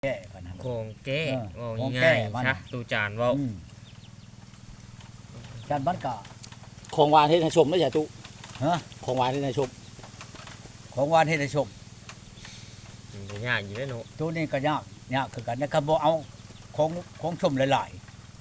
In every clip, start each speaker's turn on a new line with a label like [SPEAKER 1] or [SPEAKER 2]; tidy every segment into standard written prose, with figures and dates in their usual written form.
[SPEAKER 1] แก้กันนะ
[SPEAKER 2] ของแก้
[SPEAKER 1] ของแก้
[SPEAKER 2] ง่าย
[SPEAKER 1] มัน
[SPEAKER 2] ๆซะตูจานเว้า
[SPEAKER 1] จานบ้านกะ
[SPEAKER 3] ของหวานเฮ็ดให้ชมได้จ้ะตุ
[SPEAKER 1] ฮะ
[SPEAKER 3] ของหวานเฮ็ดให้ชม
[SPEAKER 1] ของหวานให้ได้ชม
[SPEAKER 2] มันก็ยากอยู่เด้อเนาะ
[SPEAKER 1] ตัวนี้ก็ยากคือกันนะครับบ่เอาของชมหลาย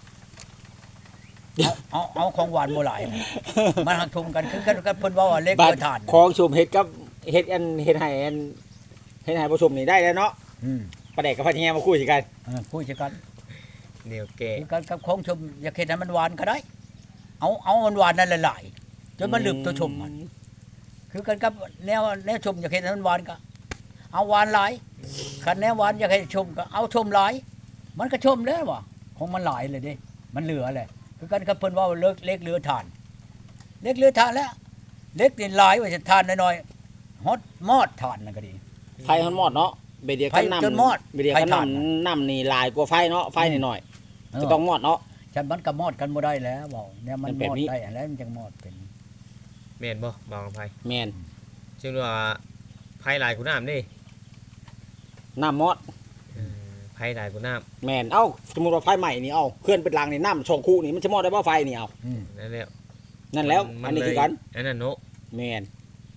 [SPEAKER 1] ๆเอาของหวานบ่หลายมันหักทุมกันคือกันเพิ่นว่าเล็ก
[SPEAKER 3] บั
[SPEAKER 1] เกิ
[SPEAKER 3] ด
[SPEAKER 1] นทาน
[SPEAKER 3] ของชมเฮ็ดกับเฮ็ดเฮ็ดให้ผู้ชมนี่ได้แล้วเนาะ
[SPEAKER 1] อืม
[SPEAKER 3] ประเด็กกับพันแยมาคุยกัน
[SPEAKER 1] คุยกัน
[SPEAKER 2] เดี๋ยวแก้
[SPEAKER 1] คือกันกับของชมอยากเฮ็ดให้มันหวานก็ได้เอามันหวานนั่นหลายๆจนมันลืมตัวชมมันคือกันกับแนวชมอยากเฮ็ดให้มันหวานก็เอาหวานหลายคันแนวหวานอยากให้ชมก็เอาชมหลายมันก็ชมแล้วว่ะของมันหลายเลยเด้มันเหลือแหละคือกันกับเพิ่นว่าเลิกเล็กเหลือทานเล็กเหลือทานแล้วเล็กนี่หลายว่าจะทานน้อยๆฮอดมอดทานนั่นก็ดี
[SPEAKER 3] ไฟฮอนมอดเนาะเบดเดียวกัน
[SPEAKER 1] ไฟจนมอด
[SPEAKER 3] เบดเดียวกัน
[SPEAKER 1] ไฟถ่าน
[SPEAKER 3] น้ำนี่ลายกว่าไฟเนาะไฟหน่อยๆจะต้องมอดเนาะ
[SPEAKER 1] ฉันมันก็มอดกันบ่ได้แล้วเว้าเนี่ยมัน
[SPEAKER 3] มัน
[SPEAKER 1] ม
[SPEAKER 3] แบบ
[SPEAKER 1] อด
[SPEAKER 3] นี้
[SPEAKER 1] ได้แล้วมันจังมอดเป็น
[SPEAKER 2] แม่นบ่บางไผ
[SPEAKER 3] แม่น
[SPEAKER 2] ซึ่งว่าไผหลายกูน้ำเด้
[SPEAKER 3] น้ำมอด
[SPEAKER 2] ไผหลายกูน้ำ
[SPEAKER 3] แม่นเอ้าสมมุติว่าไฟใหม่นี่เอาเคลื่อนเป็นรังนี่น้ำชงคู่นี่มันจะมอดได้บ่ไฟนี่เอา
[SPEAKER 1] อืม
[SPEAKER 2] นั่นแหละ
[SPEAKER 3] นั่นแล้วอันนี้คือกัน
[SPEAKER 2] อันนั้นเนาะ
[SPEAKER 3] แม่น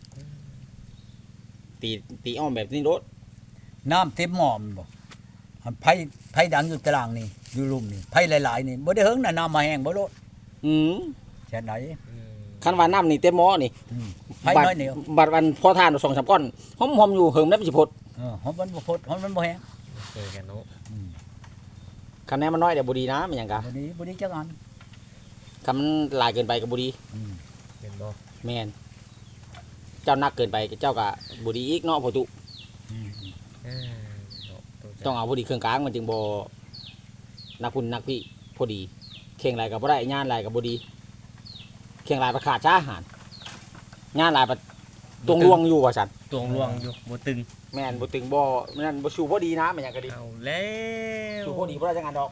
[SPEAKER 3] ตีอ้อมแบบนี้รถ
[SPEAKER 1] น้ำเต็มหม้อมันบ่อันไผดังอยู่ตารางนี่อยู่ลุ่มนี่ไผหลายๆนี่บ่ได้เฮิงน่ะน้ำมาแห้งบ่โลด
[SPEAKER 3] อืม
[SPEAKER 1] แค่ไหน
[SPEAKER 2] อืม
[SPEAKER 3] คันว่าน้ำนี่เต็มหม้อนี่
[SPEAKER 1] อืมไผน้อยเหนียว
[SPEAKER 3] บัดวันพอทาน2-3ก้อนหอมๆอยู่เหิมได้บ่สิพด
[SPEAKER 1] หอมมันบ่พดหอมมันบ่แห้ง
[SPEAKER 2] เจอกันเนาะ
[SPEAKER 1] อืม
[SPEAKER 3] คันแนนมันน้อยเดี๋ยวบ่ดีนะมันหยังกะ
[SPEAKER 1] บ่ดีจักอัน
[SPEAKER 3] คันมันหลายเกินไปก็บ่ดี
[SPEAKER 1] อืม
[SPEAKER 2] เป็นบ่
[SPEAKER 3] แม่นเจ้านักเกินไปเจ้าก็บ่ดีอีกเนาะพ่อตุ
[SPEAKER 1] อืม
[SPEAKER 2] อ่าเนาะตูจาน
[SPEAKER 3] ต้องเอาพอดีเครื่องกลางมันจึงบ่นักพุ่นนักพี่พอดีเข่งหลายก็บ่ได้งานหลายก็บ่ดีเข่งหลายประขาดช้าอาหารงานหลายประตรงลวงอยู่ว่าซั่น
[SPEAKER 2] ตวงลวงอยู่บ่ตึง
[SPEAKER 3] แม่นบ่ตึงบ่นั่นบ่สู้พอดีนะมันหยังก็ดี
[SPEAKER 2] เอาแล้ว
[SPEAKER 3] สู้พอดีบ่ได้จังงานดอก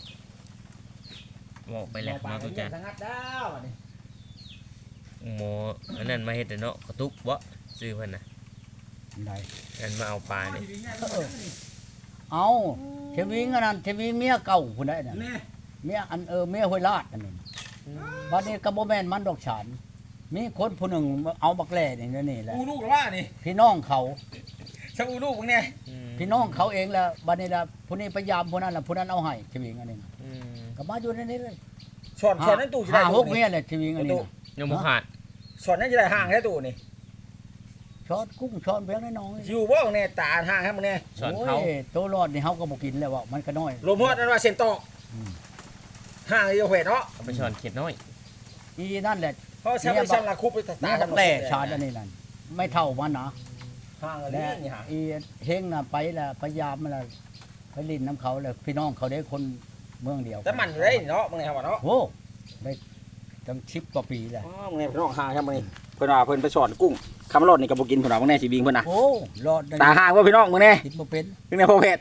[SPEAKER 2] บอกไปแล้วเนาะตูจาน
[SPEAKER 3] สังัดดาวอันนี้
[SPEAKER 2] หมออันนั้นมาเฮ็ดแต่เนาะกระตุกบ่ซื้อเพิ่นน่ะ
[SPEAKER 1] ได้
[SPEAKER 2] อันมาเอาปลานี่
[SPEAKER 1] เอาเทวิงอันนั้นเทวิงเมียเก่าพุ่นได้น่ะเมียอันเมียห้วยลาดอันนั้นบัดนี้ก็บ่แม่นมันดอกฉานมีคนผู้หนึ่งเอาบักแล่นี่แหละ
[SPEAKER 3] อูลูกหรือว่านี่
[SPEAKER 1] พี่น้องเขา
[SPEAKER 3] ซะอูลูกมึงเนี่ย
[SPEAKER 2] อืม
[SPEAKER 1] พี่น้องเขาเองแหละบัดนี้ล่ะผู้นี้พยายามผู้นั้นล่ะผู้นั้นเอาให้เทวิงอันนี้น่ะ
[SPEAKER 2] อืม
[SPEAKER 1] ก็มาอยู่ในนี้เลย
[SPEAKER 3] สอนนั่นตู้สิได้
[SPEAKER 1] ห
[SPEAKER 3] ตู้
[SPEAKER 1] กเมียแหละเทวิงอันนี้น่ะ
[SPEAKER 2] ยังบ่ขาด
[SPEAKER 3] สอนนั่นสิได้ห่างแท้ตู้นี่
[SPEAKER 1] ช้อนกุ้งช้อนเพียงน้อย
[SPEAKER 3] อยู่บ่เนี่ยตาห่างให้มึงเนี่ย
[SPEAKER 1] ๆ
[SPEAKER 2] สอนเขา
[SPEAKER 1] โยตัวรอดนี่เฮาก็บ่กินแล้วว่ามันก็น้อย
[SPEAKER 3] ลมฮอดนั่นว่าเส้นตอก
[SPEAKER 1] อืม
[SPEAKER 3] ห่างอยู่เฮ็ดเนาะ
[SPEAKER 2] เอาไปช้อนเข็ดน้อย
[SPEAKER 1] อีนั่นแหละ
[SPEAKER 3] เพราะใช้ไปซ้ํละคุบไปตา
[SPEAKER 1] นี่
[SPEAKER 3] กั
[SPEAKER 1] บักแล่ชาดอันนี้นั่นไม่เท่ามันนะ
[SPEAKER 3] ห่าง
[SPEAKER 1] และ
[SPEAKER 3] นี่ห่าง
[SPEAKER 1] อีเฮงน่ะไปละพยายามมาละไปลินน้ำเขาเลยพี่น้องเขาได้คนเมืองเดียว
[SPEAKER 3] แต่มันอยู่ได้เนาะมึงเนี่ยว่าเนาะ
[SPEAKER 1] โอ้ได้ตั้ง10 กว่าปีแล้ว
[SPEAKER 3] อ๋อมึงเนี่ยพี่น้องห่างครับมึงนี่เพิ่นว่าเพิ่นไปสอนกุ้งคำรอดนี่ก็บ่กินเพิ่นว่ามึงแน่สิบิงเพิ่นน่ะ
[SPEAKER 1] โอ้รอดได้
[SPEAKER 3] ตาห่างว่าพี่น้องมึงแน่
[SPEAKER 1] คิดบ่เป็น
[SPEAKER 3] มึงแน่พ่อเพชร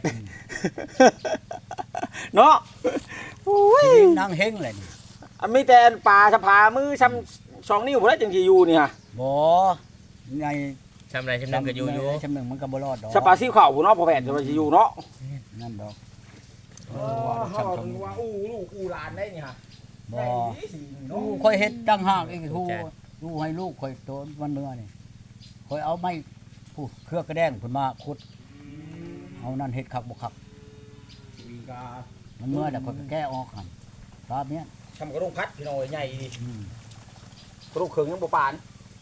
[SPEAKER 3] เนาะโอ้ย
[SPEAKER 1] ชีวิตนางเฮงเลยนี่
[SPEAKER 3] อันมีแต่ปลาสะพามือซ้ำ2นิ้วบ่ได้จังสิอยู่นี่ฮะ
[SPEAKER 1] บ่ใน
[SPEAKER 2] ชำไรชำนึงก็อยู่อยู่
[SPEAKER 1] ชำนึงมันก็บ่รอดดอก
[SPEAKER 3] สะปาซี่ข้าวพุ่นเนาะพ่อเพชรจะว่าสิอยู่เนาะ
[SPEAKER 1] นั่นดอก
[SPEAKER 3] เฮาถึงว่าอู้ลูกอู้หลานได้นี่ฮะ
[SPEAKER 1] บ่ลูกค่อยเฮ็ดตั้งหากอีกฮู้ลูกให้ลูกค่อยโตมันเมื่อนี่ค่อยเอาไม้ผู้เครือกระแดงเพิ่นมาขุดเอานั่นเฮ็ดคักบ่คักมันเมื่อแล้วค่อยก็แก้ออกหั่นครับเนี่ย
[SPEAKER 3] ทำกระดงพัดพี่น้อยใหญ่ดี
[SPEAKER 1] อืม
[SPEAKER 3] กระดงเขิงยังบ่ปาน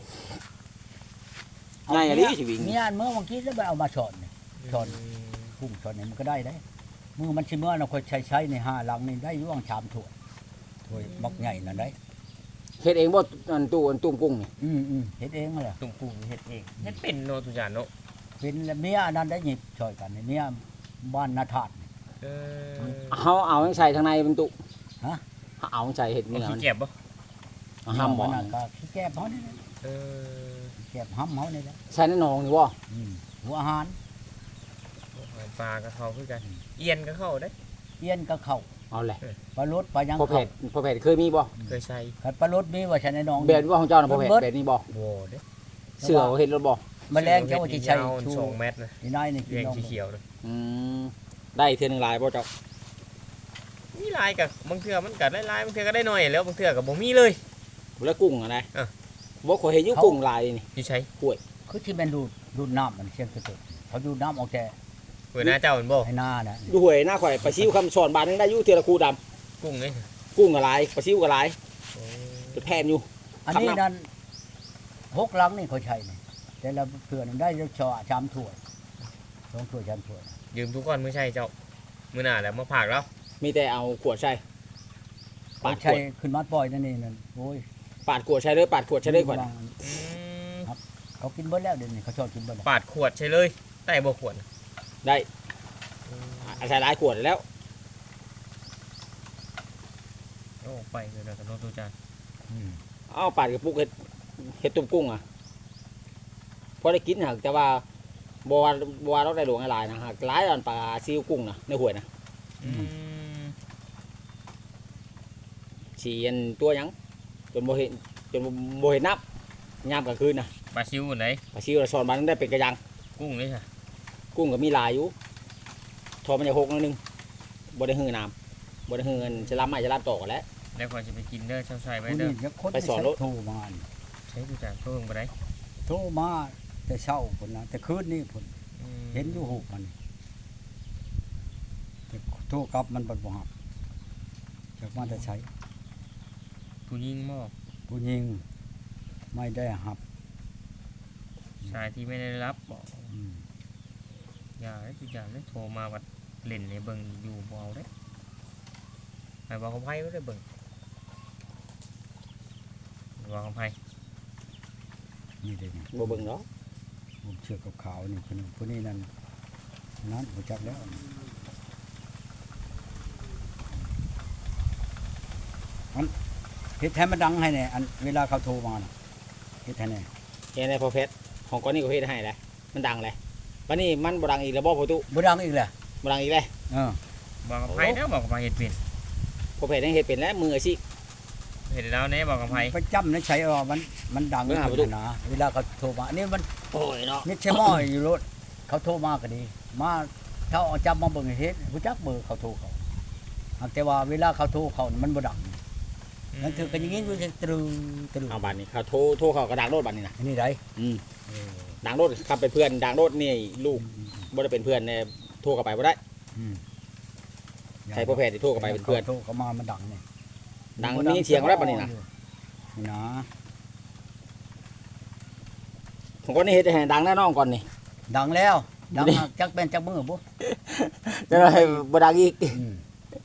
[SPEAKER 3] ใหญ่อะดิสิวิ่ง
[SPEAKER 1] มีอันเมื่อวันกี้แล้วไปเอามาสอนนี่ ช้อน พุ่งสอนนี่มันก็ได้ได้มือมันสิเมื่อเราค่อยใช้ใน5หลังนี่ได้อยู่ว่างชามถ้วยถ้วยบักใหญ่นั่นได้
[SPEAKER 3] เฮ็ดเองบ่อันตู้อันตุ้มกุ้งนี่
[SPEAKER 1] เฮ็ดเองนั่นแหละ
[SPEAKER 2] ตุ่มปูเฮ็ดเองเฮ็ดเป็นเนาะทุกอย่างเนาะ
[SPEAKER 1] เป็นแล้วเมียอันนั้นได้หยิบช่วยกันนี่เมียบ้านนาธาตุ
[SPEAKER 2] เออ
[SPEAKER 3] เฮาเอาให้ใส่ทางในเป็นตู้
[SPEAKER 1] ฮะ
[SPEAKER 3] เอาใส่เฮ็ด
[SPEAKER 2] เอา
[SPEAKER 3] เนื้อ
[SPEAKER 2] ขี้
[SPEAKER 3] มัน
[SPEAKER 2] เก็บบ่
[SPEAKER 3] เอาห้ามบ่
[SPEAKER 1] มันน่ะก็ขี้แก้บเฮานี่แหละ
[SPEAKER 2] เออ
[SPEAKER 1] ขี้แก้บห้ำเฮานี่แหละ
[SPEAKER 3] ใส่ในหนองนี่บ่
[SPEAKER 1] หัวอาหาร
[SPEAKER 2] ปลาก็เข้าคือกันเอียนก็เข้าได้
[SPEAKER 1] เอี้ยนก็เข้า
[SPEAKER 3] เอาแหละ
[SPEAKER 1] ปลารสปลายัง
[SPEAKER 3] พ่อเพ
[SPEAKER 1] เข้า
[SPEAKER 3] ชรเคยมีบ่
[SPEAKER 2] เคยใส่
[SPEAKER 1] คันปลารสมีว่าฉันในหนอง
[SPEAKER 3] แบบว่าของเจ้าน่ะพ่อเพชรแบบนี้บ่
[SPEAKER 2] โว้เด้
[SPEAKER 3] เสือเฮ็ดรถบ่
[SPEAKER 1] แมลงเจ้าว่าสิใช้
[SPEAKER 2] ยาว
[SPEAKER 1] ชู
[SPEAKER 2] 2 เมตรนะ
[SPEAKER 1] นี่นายนี่กิน
[SPEAKER 2] แยง
[SPEAKER 1] น้อง
[SPEAKER 2] สีเขียวเลย
[SPEAKER 3] อืมได้เทื่อหนึงหลายบ่เจ้า
[SPEAKER 2] มีลายกับบางเทื่อมันก็ได้ลายบางเทื่อก็ได้น้อยแล้วบางเทื่อก็บ่มีเลย
[SPEAKER 3] แล้วกุ้งอะไร
[SPEAKER 2] อ่ะ
[SPEAKER 3] บ่ข่อยเห็นอยู่กุ้งหลายนี่
[SPEAKER 2] อยู่ใช้
[SPEAKER 1] คือที่แม่นดูดน้ำมันเชียงสุดๆเขาดูดน้ำออกแต่
[SPEAKER 2] เปิดหน้าเจ้ามันบ่
[SPEAKER 1] ให้หน้านะ
[SPEAKER 3] อยู่ห้วยหน้าข่อยปลาซิวคำสอนบาทนึงได้อยู่เทื่อละคูดำ
[SPEAKER 2] กุ้งนี่
[SPEAKER 3] กุ้งก็หลายปลาซิวก็หลาย
[SPEAKER 2] โอ้
[SPEAKER 1] Ờ.
[SPEAKER 3] เป็นแผ่นอยู่
[SPEAKER 1] อันนี้นั่น6 ลังนี่เขาใช้นี่แต่ละเพื่อนนได้ชอชามถ้วย2 ถ้วยชามถ้วย
[SPEAKER 2] ยืมทุกคนมื้อใช่เจ้ามื้อหน้าแล้วมาผากแล้ว
[SPEAKER 3] มีแต่เอาขวดใส่ปา
[SPEAKER 1] เขา
[SPEAKER 3] ดข
[SPEAKER 1] ใช้
[SPEAKER 3] วด
[SPEAKER 1] ขึ้นมาปล่อยนั่นนี่นั่นโอ้ย
[SPEAKER 3] ปาดขวดใส่เลยปาดขวดใส่เลยก่อน
[SPEAKER 2] อืม
[SPEAKER 1] เขากินเบิดแล้วเดี๋ยวนี้เขาชอบกินเบิดแล้ว
[SPEAKER 2] ปาดขวดใช่เลยใต้บ่ขวด
[SPEAKER 3] ได้ใส่หลายขวดแล้ว
[SPEAKER 2] โอ้ไปเลยนะกับน้องตูจาน
[SPEAKER 1] อืม
[SPEAKER 3] เอาปาดกระปุกเห็ดตุ่มกุ้งอ่ะพอได้กินหักแต่ว่าบัวเราได้หลวงหลายนะหักหลายอันปลาซิวกุ้งนะในห้วยนะ
[SPEAKER 2] อืม
[SPEAKER 3] ฉีอันตัวหยังจนโบเห็นนับยามกลางคืนนะ
[SPEAKER 2] ปลาซิวไหน
[SPEAKER 3] ปลาซิวเราสอนมาตั้งได้เป็นกระยัง
[SPEAKER 2] กุ้งนี่ค่ะ
[SPEAKER 3] กุ้งก็มีหลายอยู่ทอมันจะหกนิดนึงบ่ได้หื้อน้ำบ่ได้หื้อเงินจะรับไม่จะรับต่อกันแล้ว
[SPEAKER 2] แล้วก่อนจะไปกินเด้อเช้าใส่ไว้
[SPEAKER 1] ผู้
[SPEAKER 2] เด้อ
[SPEAKER 1] นี้จะคน
[SPEAKER 3] ไปสอนรถ
[SPEAKER 1] โทรมานี่
[SPEAKER 2] ใช้ตูจานเพิ่งไปได้
[SPEAKER 1] โทรมาแต่เช้าคนนะแต่คืนนี่คนเห็นอยู่หูกมันแต่โทรกลับมันบ่ฮับจากมาแต่ใช้
[SPEAKER 2] ผู้ยิงหม้อ
[SPEAKER 1] ผู้หญิงไม่ได้หับ
[SPEAKER 2] ชายที่ไม่ได้รับบอก
[SPEAKER 1] อืม
[SPEAKER 2] อย่าให้ตูจานได้โทรมาวัดเล่นในเบิ่งอยู่บ่เอาได้ให้บอกกับไผบ่ได้เบิ่งบอกกับไผ
[SPEAKER 1] นี่เด้นี่
[SPEAKER 3] บ่เบิ่งเนาะ
[SPEAKER 1] ผมเชือกกับขาวนี่คนนึงผู้นี้นั่นนั้นผมจักแล้วอันเฮ็ดให้มันดังให้แน่อันเวลาเขาโทรมาน่ะเฮ็ดให้แน่
[SPEAKER 3] เห็นในพอเพชรของก้อนนี้ก็เฮ็ดให้เลยมันดังเลยวันนี้มันบ่ดังอีกแล้วบ่พอตุ
[SPEAKER 1] บ่ดังอีกแหละ
[SPEAKER 3] บ่ดังอีกเลย
[SPEAKER 1] เออ
[SPEAKER 2] บอกกับไผเด้อบอกกับไผเฮ็ดเป็น
[SPEAKER 3] พอเพชรยังเฮ็ดเป็นแล้วมืออาชีพ
[SPEAKER 2] เฮ็ดแล้วแน่บอกกับไผ
[SPEAKER 1] ไปจำนะใช้ว่ามันดัง
[SPEAKER 3] เบิ่งหาบ่ดู
[SPEAKER 1] นะเวลาเขาโทรมาอันนี้มัน
[SPEAKER 3] โอ้ยเนาะ
[SPEAKER 1] มิดใช่หม้ออยู่รถเขาโทรมาก็ดี มาถ้าเอาจับมาเบิ่งให้เฮ็ดผู้จักเบอร์เขาโทรเขาหากแต่ว่าเวลาเขาโทรเขานี่มันบ่ดังนั่นถือกันอย่างงี้อยู่จะตรึตรึ
[SPEAKER 3] เอาบัดนี้เขาโทรเขากระดังโลดบัดนี้นะ
[SPEAKER 1] อันนี้ได้
[SPEAKER 3] อืมดังโลดครับเป็นเพื่อนดังโลดนี่ลูกบ่ได้เป็นเพื่อนเนี่ยโทรเข้าไปบ่ได้
[SPEAKER 1] อืม
[SPEAKER 3] ใครพอเพชรที่โทรเข้าไปเป็นเพื่อน
[SPEAKER 1] โทรเขามามันดังนี่
[SPEAKER 3] ดังมีเสียงแล้วบัดนี้นะ
[SPEAKER 1] นี่นะ
[SPEAKER 3] ของก้อนนี้เฮ็ดให้ดังแน่นอนก่อนนี่
[SPEAKER 1] ดังแล้วดังมากจักเป็นจักมือบ่
[SPEAKER 3] จะได้บ่ดังอีก
[SPEAKER 1] อืม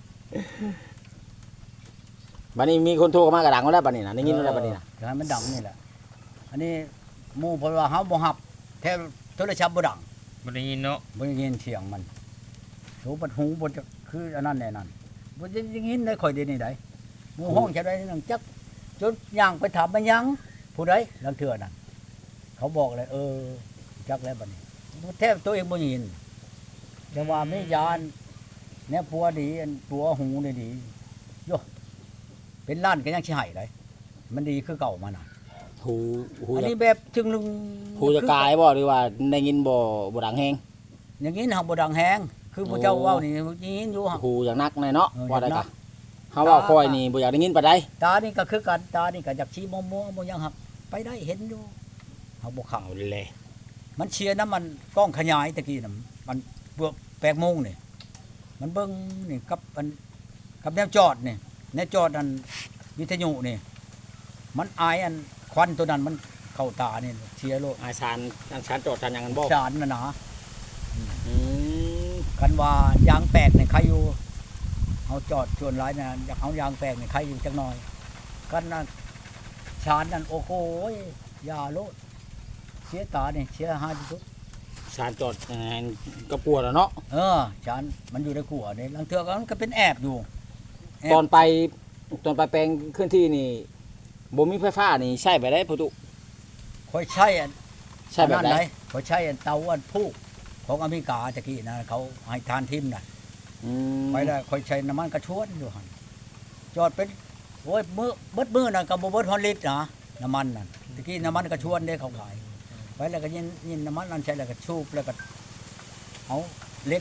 [SPEAKER 3] บัดนี้มีคนโทรเข้ามากระดังแล้วบัดนี้นะได้ยินแล้วบัดนี้นะ
[SPEAKER 1] จะให้มันดังนี่แหละอันนี้หมู่เพราะว่าเฮาบ่ฮับแท้โทรศัพท์บ่ดัง
[SPEAKER 2] บ่ได้ยินเนาะ
[SPEAKER 1] บ่ได้ยินเสียงมันโหบัดหูบ่จะคืออันนั้นแน่นั่นบ่ได้ยินได้ค่อยเดียวนี่ได้หมู่ห้องจะได้นั่งจักจนย่างไปถามมันยังผู้ใดลังเทื่อนั่นเขาบอกเลยจักแล้วบัดนี้แทบตัวเองบ่ยินแต่ว่ามียานแน่ผัวดีอันตัวหูนี่ดีโยเป็นล้านก็ยังสิให้ได้มันดีคือเก่ามาน่ะ
[SPEAKER 3] หู
[SPEAKER 1] อัน
[SPEAKER 3] จะ
[SPEAKER 1] นี้แบบจึงลึง
[SPEAKER 3] หูจะกายบ่หรือว่าได้ยินบ่ดังแฮง
[SPEAKER 1] อย่างนี้เฮาบ่ดังแฮงคือผู้เจ้าเว้านี่ยินอยู่
[SPEAKER 3] หูอย่างนักแน่เนาะ
[SPEAKER 1] เออ
[SPEAKER 3] ว่าได้
[SPEAKER 1] อย่างนั
[SPEAKER 3] กะ
[SPEAKER 1] ก
[SPEAKER 3] เฮาเว้าค่อยนี่บ่อยากได้ยินปานใด
[SPEAKER 1] ตานี่ก็คือกันตานี่ก็อยากชี้มัวบ่ยังหักไปได้เห็นอยู่เฮาบ่เข้า
[SPEAKER 3] เอาเลย
[SPEAKER 1] มันเชียร์น้ำมันกล้องขยายตะกี้น่ะมันเบือก8 โมงนี่มันเบิ่งนี่กับแนวจอดนี่แนวจอดอันวิทยุนี่มันอายอันควันตัวนั้นมันเข้าตานี่เชียร์โลด
[SPEAKER 3] อาชานโจทย์ทานหยังกันบ่
[SPEAKER 1] ชานน่ะนะ
[SPEAKER 3] อืม
[SPEAKER 1] กันว่ายางแปลกนี่ใครอยู่เอาจอดชวนหลายนะอยากเอายางแปลกนี่ใครอยู่จักหน่อยกันนั่นชานนั่นโอ้โหยาโลดเสียตานี่เสียหายที่สุด
[SPEAKER 3] ชานโจทย์ก็กลัวแล้วเนาะ
[SPEAKER 1] ชานมันอยู่ในกัวนี่ลังเทือก็มันก็เป็นแอบอยู่แอบ
[SPEAKER 3] ตอนไปแปลงเคลื่อนที่นี่บ่มีไฟฟ้านี่ใช้ไปได้พุตุ
[SPEAKER 1] คอยใช้อัน
[SPEAKER 3] ใช้แบบใด
[SPEAKER 1] คอยใช้อันเตาอันพูกของอเมริกาตะกี้นะเขาให้ทานทิมน่ะ
[SPEAKER 3] อืม
[SPEAKER 1] ไปได้คอยใช้น้ำมันกระชวนอยู่หั่นจอดเป็นโอ้ยมือเบิดมือน่ะก็บ่เบิดฮอนลิตรนะน้ำมันน่ะตะกี้น้ำมันกระชวนเด้เขาขายไปแล้วก็ยินน้ำมันนั่นใช้แล้วก็ชูบแล้วก็เอาเล็ก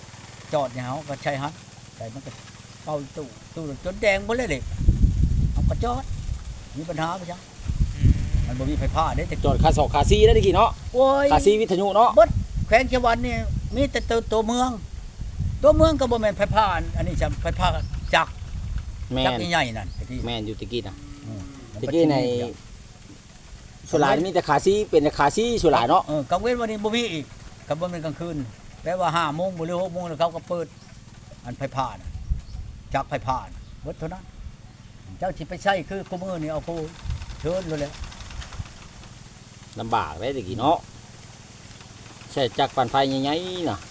[SPEAKER 1] จอดเนี่ยเฮาก็ใช้ฮัดแต่มันก็เข้าตู้จนแดงหมดเลยเด็กเอาก็จอดมีปัญหาไปจังมันบ่มีไฟฟ้าเด้แต่
[SPEAKER 3] จอดคาสอกคาซีได้ตะกี้เนาะ
[SPEAKER 1] โอ้ย
[SPEAKER 3] คาซีวิทยุเนาะ
[SPEAKER 1] แขวงเชียงวันนี่มีแต่ตัวเมืองก็บ่แม่นไฟฟ้าอันนี้จะไฟฟ้าจักร
[SPEAKER 3] แม่
[SPEAKER 1] จัก
[SPEAKER 3] น
[SPEAKER 1] รใหญ่ๆนั่นตะกี้
[SPEAKER 3] แม่นอยู่ตะกี้นะ
[SPEAKER 1] มัน
[SPEAKER 3] ตะกี้ในสุรายมีแต่คาซีเป็นแต่คาซีสุรายเนาะ
[SPEAKER 1] กลางเว้นวันนี้บ่มีอีกก็บ่แม่นกลางคืนแปลว่า5 โมงบ่หรือ6 โมงแล้วเขาก็เปิดอันไฟฟ้าน่ะจักรไฟฟ้าน่ะเบิดเท่านั้นเจ้าสิไปใช้คือคุมื้อนี่เอาผู้เชิญเลยแหละ
[SPEAKER 3] ลำบากได้ตะกี้เนาะใช้จักรปั่นไฟใหญ่ๆน่ะ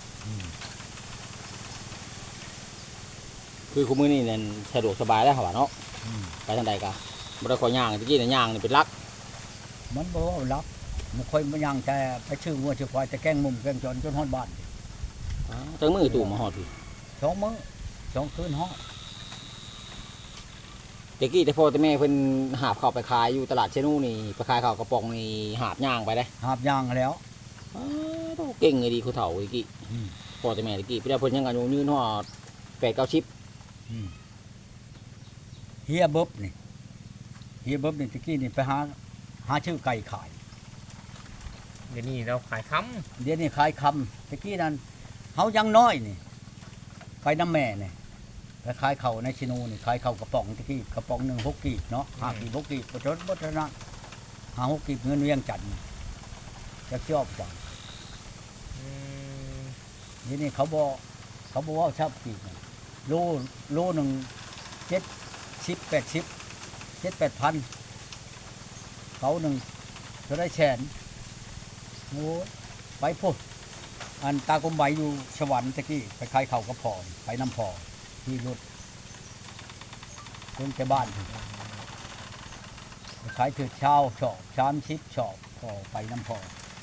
[SPEAKER 3] คือคุมื้อนี้นั่นสะดวกสบายแล้วหั่นว่าเนาะ
[SPEAKER 1] อืม
[SPEAKER 3] ไปทางใดก็บ่ได้ขอย่างตะกี้น่ะย่างนี่เป็นหลัก
[SPEAKER 1] มันบ่ว่ารับมันค่อยบ่ยังแต่ไปชื่อวัวชื่อควายแต่แกล้งมุมแกล้งจนฮอดบ้าน
[SPEAKER 3] จังมือตู่มาฮอดพี่
[SPEAKER 1] 2 มื้อ2 คืนฮอด
[SPEAKER 3] ตะกี้แต่พ่อแต่แม่เพิ่นหาบข้าวไปขายอยู่ตลาดเชนูนี่ไปขายข้าวกระป๋องนี่หาบย่างไปได้
[SPEAKER 1] หาบยางแล้ว
[SPEAKER 3] เก่งเลยดีเขาเฒ่าตะกี้
[SPEAKER 1] อืม
[SPEAKER 3] พ่อแต่แม่ตะกี้พี่ได้เพิ่นยังอายุยืนฮอด8-9
[SPEAKER 1] เฮียเบิบนี่ตะกี้นี่ไปหาชื่อไก่ขาย
[SPEAKER 2] เดี๋ยวนี้เราขายค
[SPEAKER 1] เดี๋ยวนี้ขายคำตะกี้นั้นเฮายังน้อยนี่ไปน้ำแม่นี่ไปขายเข่าวในชิโนูนี่ขายเข่าวกระป๋องตะกี้กระป๋องหนึ่ง6 กีบเนาะ5 กีบ6 กีบบ่จดบ่ทันนะ5 6 กีบเงินเวียงจันทน์จะชอบจัง
[SPEAKER 2] ำอืม
[SPEAKER 1] เดี๋ยวนี้เขาบอกว่าชอบกีบนี่โลหนึง70 80 7-8 พันเขาหนึ่งจะได้แสนโอ้ยไปพุ่นอันตากลมใบอยู่สวรรค์ตะกี้ไปขายเขาวกระพรไปน้ำพอที่รถคนแต่บ้านพุ่นไปขายถือเช้าชอบ30 ชอบพอไปน้ำพอ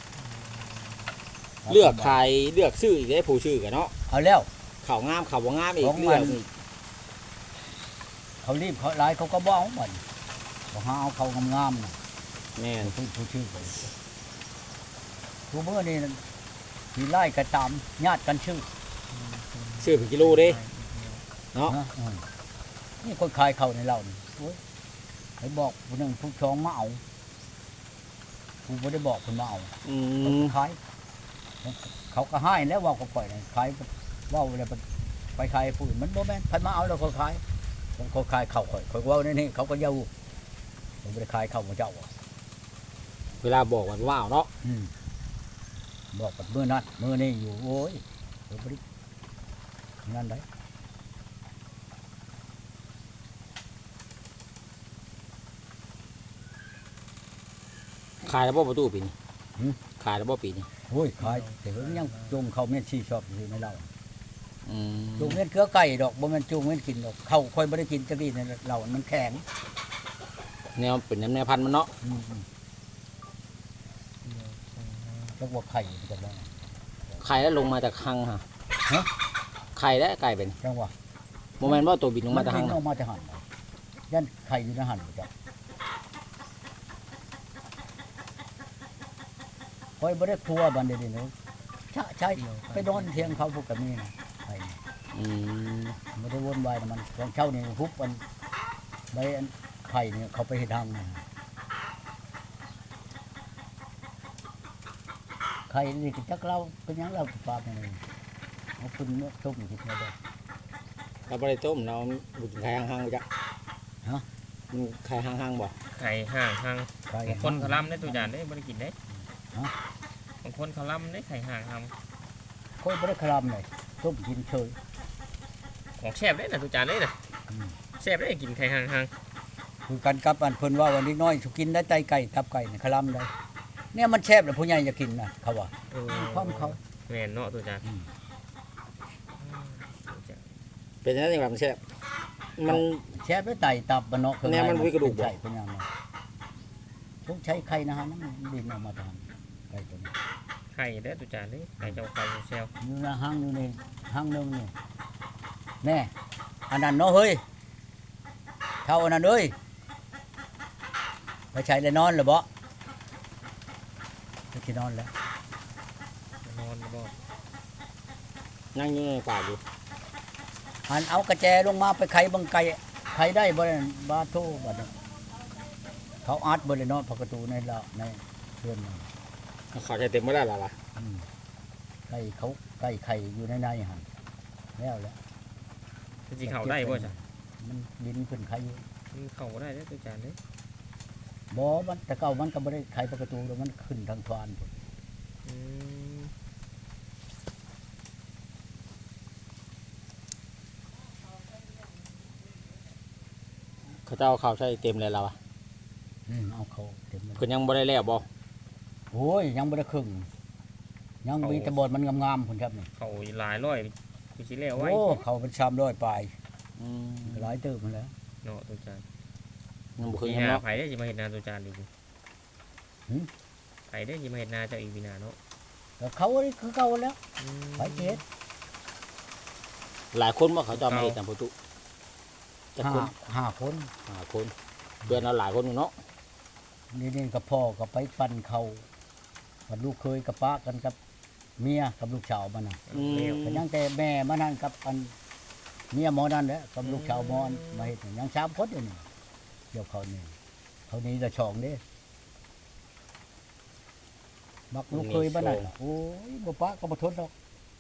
[SPEAKER 3] เลือกขายเลือกซื้ออีกได้ผู้ชื่อกันเนาะ
[SPEAKER 1] เอาแล้ว
[SPEAKER 3] ข้าวงามข้าวบ่งามอี
[SPEAKER 1] ข
[SPEAKER 3] ก
[SPEAKER 1] องมัน
[SPEAKER 3] เลือกอีก
[SPEAKER 1] เขารีบเขาหลายเขาก็บ้องมันบอกหาเอาเขางามๆนะ
[SPEAKER 3] แม่น
[SPEAKER 1] ผู้ชื่อไปผู้เมื่อนี่ที่ไล่กระตามญาติกันชื่อ
[SPEAKER 3] ซื้อเป็นกิโลเด้เนาะ
[SPEAKER 1] นะนี่คนขายเขาในเรานี่โอ้ยไปบอกผู้หนึ่งผู้ชองมาเอาผู้ไม่ได้บอกคนมาเอา
[SPEAKER 3] อื
[SPEAKER 1] เขา
[SPEAKER 3] ม
[SPEAKER 1] ขายเขาก็ให้แล้วว่าก็ปล่อยเลยขายว่าอะไรไปขายผู้อื่นมันโมแมนใครมาเอาแล้วเขาขายเขาขายเขาข่อยว่านี่เขาก็เย้าผมไม่ได้ขายเขาของเจ้าอ่ะ
[SPEAKER 3] เวลาบอกว่าว้าวเนาะ
[SPEAKER 1] บอกกับมือนั้นมือนี่อยู่โอ้ยเดี๋ยวบรินั่นได้
[SPEAKER 3] ขายแล้วบ่ประตูปีนี้ขายแล้วบ่ปีนี้
[SPEAKER 1] โอ้ยขายแต่เพิ่งยังจงเขาเมียนชีชอบอยู่ในเรา
[SPEAKER 3] อืม
[SPEAKER 1] จงเมียนเกลือไก่ดอกบ่แม่นจงเมียนกินดอกเขาค่อยบ่ได้กินจักดีในเรามันแข็ง
[SPEAKER 3] แนวเป็นแนวพันธุ์มันเนาะ
[SPEAKER 1] จักว่าไข่จักว่า
[SPEAKER 3] ไข่แล้วลงมาจากหังฮะ
[SPEAKER 1] ฮะ
[SPEAKER 3] ไข่แล้วไก่เป็น
[SPEAKER 1] จังว่า
[SPEAKER 3] โมเมนต์ว่าตัวบินลงมาจากหั
[SPEAKER 1] กิ
[SPEAKER 3] ง
[SPEAKER 1] น
[SPEAKER 3] นะ
[SPEAKER 1] ออกมาจะหันยันไข่อยู่ในหันบ่จ้ะค่อยบ่ได้ครัวบันเดยวนี้เนาะใช่ไปนอนเที่ยงเขาพวกกับนี่นะไข่
[SPEAKER 3] อืม
[SPEAKER 1] ไม่ได้วนวายนะมันของเช่านี่ฮุบมันใบอันไข่เนี่ยเขาไปเห็ดทางนะไข่นี่ก็จักเราเป็นหยังเราปลาไปเลยเอาคุณเนื้อต้มกินมาได้
[SPEAKER 3] เราบ่ได้ต้มเราบุกไข่หังๆจ้ะ
[SPEAKER 1] ฮะ
[SPEAKER 3] มันไข่หังๆบ่
[SPEAKER 2] ไข่ห่างทาง
[SPEAKER 1] ไข่
[SPEAKER 2] บางคนเขาล่ำได้ตัวอย่างได้บริกินได้
[SPEAKER 1] ฮะ
[SPEAKER 2] บางคนเขาล่ำได้ไข่ห่างท
[SPEAKER 1] ค่อยไม่ได้คลำเลยต้มกินเฉย
[SPEAKER 2] ำของแซ่บได้นะตัวจานได้นะ
[SPEAKER 1] อืม
[SPEAKER 2] แซ่บได้กินไข่ห่างทาง
[SPEAKER 1] คือกันกับอันเพิ่นว่าวันนี้น้อยสุกินได้ไตไก่ตับไก่เนี่ยคลำได้เนี่ยมันแซ่บแล้วผู้ใหญ่จะกินนะเขาว่าความเขา
[SPEAKER 2] แม่นเนาะตัวจาน
[SPEAKER 1] อืม
[SPEAKER 3] เป็นจังได๋ว่ามันแซ่บมัน
[SPEAKER 1] แซ่บได้ไตตับมันเนาะ
[SPEAKER 3] แนวมันมีกระดูกบ่
[SPEAKER 1] ใช่เป็นยังไงต้องใช้ไข่นะฮะนั่นดินออกมาทางไก่ตัวนี้
[SPEAKER 2] ไข่ได้ตัวจานได้ไข่เจ้าไข่แซว
[SPEAKER 1] อยู่ในห้างอยู่ในห้างหนึงนี่แน่อันนั้นเนาะเฮ้ยเท่าอันนั้นเอ้ยไปใช้แล้วนอนเหรือบ่ไปที่นอนแล้ว
[SPEAKER 2] นอนบ่
[SPEAKER 3] นั่งอยู่ในป่าอยู่
[SPEAKER 1] หันเอากระแจลงมาไปไขบังไก่ไขได้บ่ได้บาโทบัดนี้เขาอัดบ่ได้เนาะประตูในละในเรือนนั่น
[SPEAKER 3] เขาใช้เต็มบ่ได้ล่ะล่ะ
[SPEAKER 1] อืมไก่เขาไก่ไข่อยู่ในหั่นแล้วแหละ
[SPEAKER 2] สิเข้าได้บ่จ้ะ
[SPEAKER 1] มันดินขึ้นไข่อยู่
[SPEAKER 2] เข้าบ่ได้เด้อตุจานเด้อ
[SPEAKER 1] บ่มันแต่เก่ามันก็บ่ได้ไขประตูแล้วมันขึ้นทางทวารพุ่น
[SPEAKER 2] อืม
[SPEAKER 3] เขาเจ้าเขาใช้เต็มเลยล่ะวะ
[SPEAKER 1] เอาเขาเต็มเลย
[SPEAKER 3] เพิ่นยังบ่ได้แล้วบ่
[SPEAKER 1] โอ้ยยังบ่ได้ครึ่งยังมีแต่บอดมันงามๆพุ่นครับนี่
[SPEAKER 2] เข้าหลายร้อยคือสิแล้วไว้
[SPEAKER 1] โอ้เขาเป็น300ปลาย
[SPEAKER 3] อืม
[SPEAKER 1] หลายเติบมันแล้ว
[SPEAKER 2] เนาะตุจาน
[SPEAKER 3] ยังบ่เค
[SPEAKER 2] คื
[SPEAKER 3] ย
[SPEAKER 2] อ
[SPEAKER 3] เห็น
[SPEAKER 2] หา
[SPEAKER 3] เนาะ
[SPEAKER 2] ไผได้สิมาเฮ็ดนาตุจานอีก
[SPEAKER 1] หึ
[SPEAKER 2] ไผได้สิมาเฮ็ดนาเจ้าอีกวินาเนาะ
[SPEAKER 1] แต่เขานี่คือเก่าแล้ว
[SPEAKER 2] อืม
[SPEAKER 1] ไปสิเฮ็ด
[SPEAKER 3] หลายคนบ่เขาเจ้ามาเฮ็ดตามประตูจักคน
[SPEAKER 1] ห้าคน
[SPEAKER 3] 5คนเพื่อนเราหลายคนอยู่เนาะ
[SPEAKER 1] นี่กับพ่อก็ไปปั่นเขากับลูกเคยกับป้ากันกับเมียกับลูกสาวมันน่ะ ก็ยังแต่แม่มานั่นกับอันเมียหมอนั่นแหละกับลูกชาวหมอนมาเฮ็ดนี่ยัง3คนอยู่นี่เดี๋ยวเขานี่เขานี่ละช่องเด้บักลูกเคยบ้านนั่นน่ะโอ้ยบ่ปะก็บ่ทนดอก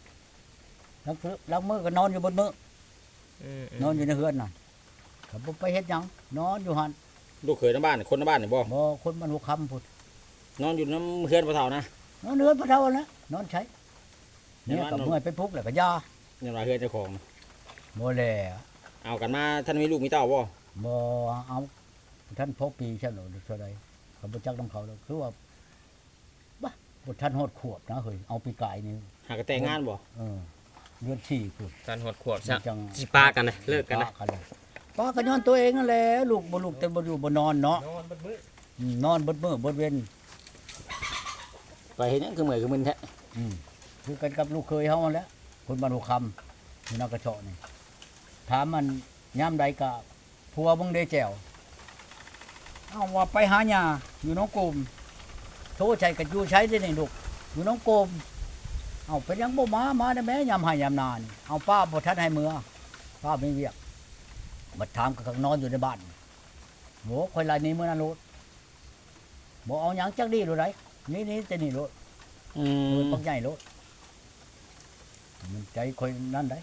[SPEAKER 1] ลังมื้อก็นอนอยู่บนมื้อ นอนอยู่ในเฮือนน่ะก็บ่ไปเฮ็ดหยังนอนอยู่หั่น
[SPEAKER 3] ลูกเขยในบ้านคนในบ้านนี่บ่
[SPEAKER 1] บ่คนมันหัวค่ำพุ่น
[SPEAKER 3] นอนอยู่น้ำเฮือนพ่อเฒ่านะ
[SPEAKER 1] นอนเฮือนพระเฒ่านั่นแหละนอนใช้เนี่ย
[SPEAKER 3] ในบ้าน
[SPEAKER 1] ก็
[SPEAKER 3] นอน
[SPEAKER 1] เมื่อยไปปลุกแล้วก็ยา
[SPEAKER 3] ยังว่าเฮือนเจ้าของนะ
[SPEAKER 1] บ่แล
[SPEAKER 3] เอากันมาท่านมีลูกมีเต้าบ่
[SPEAKER 1] บ่เอาท่านพกปีใช่หรอเท่าใดเขาบ่จักนำเขาแล้วคือว่าบ่บ่ทันฮอดขวบนะเฮ้ยเอาปีกายนี่
[SPEAKER 3] หากนแต่งงานบ่
[SPEAKER 1] เดือน4พุ่น
[SPEAKER 2] การหดขวบ
[SPEAKER 1] มั
[SPEAKER 2] ซะ
[SPEAKER 1] นจัง
[SPEAKER 2] สิปากันนะเลิกกันนะ
[SPEAKER 1] ปาเลยป้าก็ย้อนตัวเองนั่นแหละลูกบ่ลูกแต่บ่อยู่บ่นอนเนาะ
[SPEAKER 2] นอนเบิดมื้อน
[SPEAKER 1] อนเบิดมื้อเบิดเว้น
[SPEAKER 3] ไปเฮ็ดหยังคือเมื่อยคือมึนแท้
[SPEAKER 1] คือกันกับลูกเคยเฮานั่นแหละคนบ้านหัวคำอยู่นากระเชาะนี่ถามมันยามใดก็ผัวมึงได้แจวเอาว่าไปหาหญ้าอยู่น้องกลมโทรใช้ก็อยู่ใช้ได้นี่ลูกอยู่น้องกลมเอาเป็นหยังบ่มาได้แม่ยามให้ยามนานี่เอาป้าบ่ทันให้มือป้าไม่เวียกบัดถามก็นอนอยู่ในบ้านโหข่อยลายนี้มื้อนั้นโลดบ่เอาหยังจักดีโลดไดนี่แต่นี่โลด
[SPEAKER 3] อืม
[SPEAKER 1] ปักใหญ่โลดมันใจข่อยนั่นได้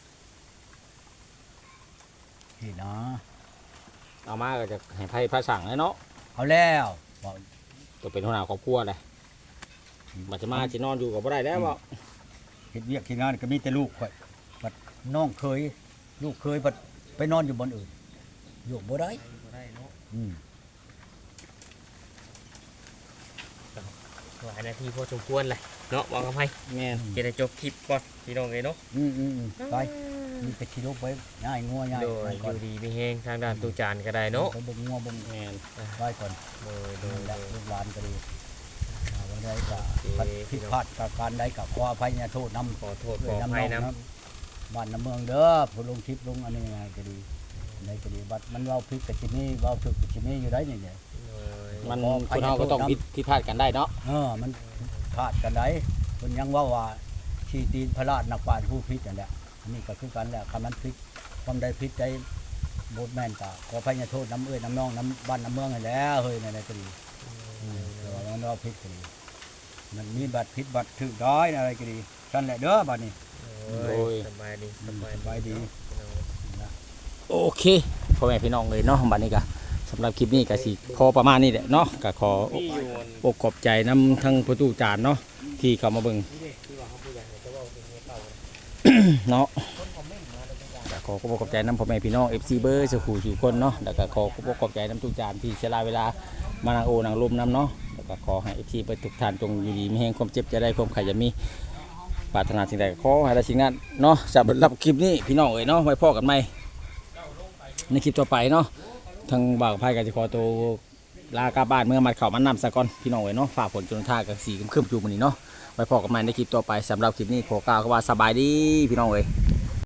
[SPEAKER 1] นี่นะ
[SPEAKER 3] เอามาก็จะให้ไผพระสั่งเลยเนาะ
[SPEAKER 1] เอาแล้วบอก
[SPEAKER 3] ตัวเป็นหัวหน้าครอบครัวเลยบัดจะมาสินอนอยู่ก็บ่ได้แล้วบ่
[SPEAKER 1] เฮ็ดเวียกที่งานก็มีแต่ลูกข่อยบัดน้องเคยลูกเคยบัดไปนอนอยู่บนอื่นอยู่บ่ได้
[SPEAKER 2] บ่ได้เนาะ
[SPEAKER 1] อืม
[SPEAKER 2] หลายนาทีพอสมควรเลยเนาะบอกกับไผ
[SPEAKER 3] แม่น
[SPEAKER 2] จะได้จบคลิปก่อนพี่น้องเอ้ยเนาะ
[SPEAKER 1] ไปมีไปขี่รถไว้ง่ายงัวง่าย
[SPEAKER 2] โดยอ
[SPEAKER 1] ก่อน
[SPEAKER 2] ยู่ดีมีแฮงทางด้านตูจานก็ได้เนาะ
[SPEAKER 1] ไปเบิ่งงัวเบิ่ง
[SPEAKER 3] แม่น
[SPEAKER 1] ไว้ก่อน
[SPEAKER 2] โดยโด
[SPEAKER 1] นั่
[SPEAKER 2] ย
[SPEAKER 1] นแหละ
[SPEAKER 2] โดย
[SPEAKER 1] ลูกหลานก็ดีวันใดก็
[SPEAKER 2] โอเค
[SPEAKER 1] ผิดพลาดกับการใดก็ขออภัยโทษนำ
[SPEAKER 2] ขอโทษขออภัยนะ
[SPEAKER 1] บ้านน้ำเมืองเด้อผู้ลงคลิปลงอันนี้ยังไงก็ดีในก็ดีบัดมันเว้าพริกกับชินี่เว้าถึกกับชินี่อยู่ได้นี่เนี่ย
[SPEAKER 3] มัน
[SPEAKER 1] ขออภั
[SPEAKER 3] ค
[SPEAKER 1] ย
[SPEAKER 3] นเฮาก็ต้อง
[SPEAKER 1] โทษนำ
[SPEAKER 3] ผิดพลาดกันได้เนาะ
[SPEAKER 1] มันพลาดกันได้คนยังว่าชีตีนพระราชนักปราชญ์ผู้พิษนั่นแหละอันนี้ก็คือกันแหละคำนั้นพิษความใดพิษใจบทแม่นก็ขออภัยโทษน้ำเอ้ยน้ำน้องน้ำบ้านน้ำเมืองนั่นแหละเฮ้ยในก็ดีแต่ว่ามันว่าพิษก็ดีมันมีบัตรพิษบัตรถึกได้อะไรก็ดีนั่นแหละเด้อบัดนี้
[SPEAKER 2] โอ้ยสบายดี
[SPEAKER 1] สบายดี
[SPEAKER 3] โอเคพ่อแม่พี่น้องเลยเนาะบัดนี้ก็สำหรับคลิปนี้ก็สิพอประมาณนี้แหละเนาะก็ขอ
[SPEAKER 2] พี่อยู่
[SPEAKER 3] อกขอบใจน้ำทั้งประตูจานเนาะที่เข้ามาเบิ่ง
[SPEAKER 2] ที่ว่าเขาผู้ใหญ่จะว่าเป็นเมียเก่า
[SPEAKER 3] เนาะก็ขอขอบใจน้ำพ่อแม่พี่น้อง FC เบอร์สุขุสู่คนเนาะแล้วก็ขอบใจน้ำทุกจานที่เสียเวลามานั่งโอนางลมน้ำเนาะแล้วก็ขอให้ FC เบอร์ทุกท่านจงอยู่ดีมีแห่งความเจ็บจะได้ความไข่จะมีปรารถนาสิ่งใดก็ขอให้ได้สิ่งนั้นเนาะสำหรับคลิปนี้พี่น้องเอ๋ยเนาะไว้พ่อกันใหม่ในคลิปต่อไปเนาะทางบ่าวกับไพ่ก็จะขอตัวลากลับบ้านเมื่อมัดเข่ามันนำซะก่อนพี่น้องเอ๋ยเนาะฝ่าฝนจนท่ากับสีครึ้มๆอยู่มื้อนี้เนาะไว้พ่อกันใหม่ในคลิปต่อไปสำหรับคลิปนี้ขอกล่าวคำว่าสบายดีพี่น้องเอ๋ย